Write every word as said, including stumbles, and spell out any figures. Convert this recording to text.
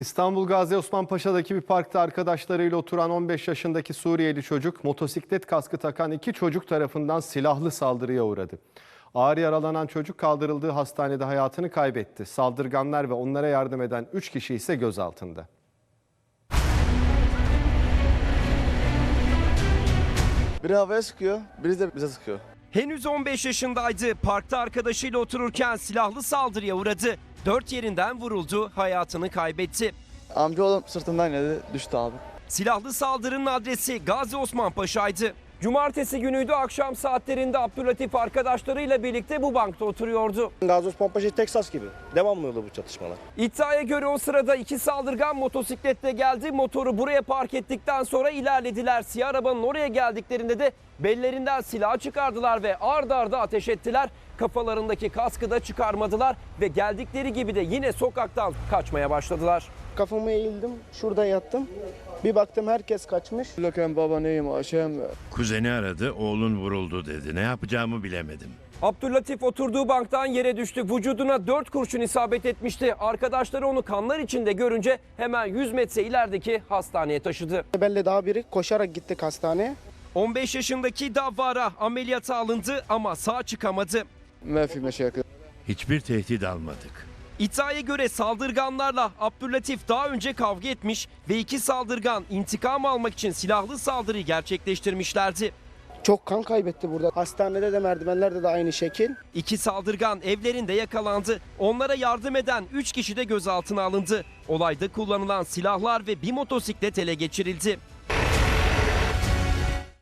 İstanbul Gazi Osman Paşa'daki bir parkta arkadaşlarıyla oturan on beş yaşındaki Suriyeli çocuk, motosiklet kaskı takan iki çocuk tarafından silahlı saldırıya uğradı. Ağır yaralanan çocuk kaldırıldığı hastanede hayatını kaybetti. Saldırganlar ve onlara yardım eden üç kişi ise gözaltında. Biri havaya sıkıyor, biri de bize sıkıyor. Henüz on beş yaşındaydı. Parkta arkadaşıyla otururken silahlı saldırıya uğradı. Dört yerinden vuruldu, hayatını kaybetti. Amcaoğlum sırtından yedi, düştü abi. Silahlı saldırının adresi Gazi Osman Paşa'ydı. Cumartesi günüydü, akşam saatlerinde Abdülatif arkadaşlarıyla birlikte bu bankta oturuyordu. Gazi Osman Paşa Teksas gibi. Devamlı oluyor bu çatışmalar. İddiaya göre o sırada iki saldırgan motosikletle geldi. Motoru buraya park ettikten sonra ilerlediler. Siyah arabanın oraya geldiklerinde de bellerinden silah çıkardılar ve ard arda ateş ettiler. Kafalarındaki kaskı da çıkarmadılar ve geldikleri gibi de yine sokaktan kaçmaya başladılar. Kafamı eğildim, şurada yattım. Bir baktım herkes kaçmış. Loken baba neyim aşağım. Kuzeni aradı, oğlun vuruldu dedi. Ne yapacağımı bilemedim. Abdülatif oturduğu banktan yere düştü. Vücuduna dört kurşun isabet etmişti. Arkadaşları onu kanlar içinde görünce hemen yüz metre ilerideki hastaneye taşıdı. Belli daha biri koşarak gittik hastaneye. on beş yaşındaki Davvara ameliyata alındı ama sağ çıkamadı. Mefi meşakı. Hiçbir tehdit almadık. İddiaya göre saldırganlarla Abdülatif daha önce kavga etmiş ve iki saldırgan intikam almak için silahlı saldırıyı gerçekleştirmişlerdi. Çok kan kaybetti burada. Hastanede de merdivenlerde de aynı şekil. İki saldırgan evlerinde yakalandı. Onlara yardım eden üç kişi de gözaltına alındı. Olayda kullanılan silahlar ve bir motosiklet ele geçirildi.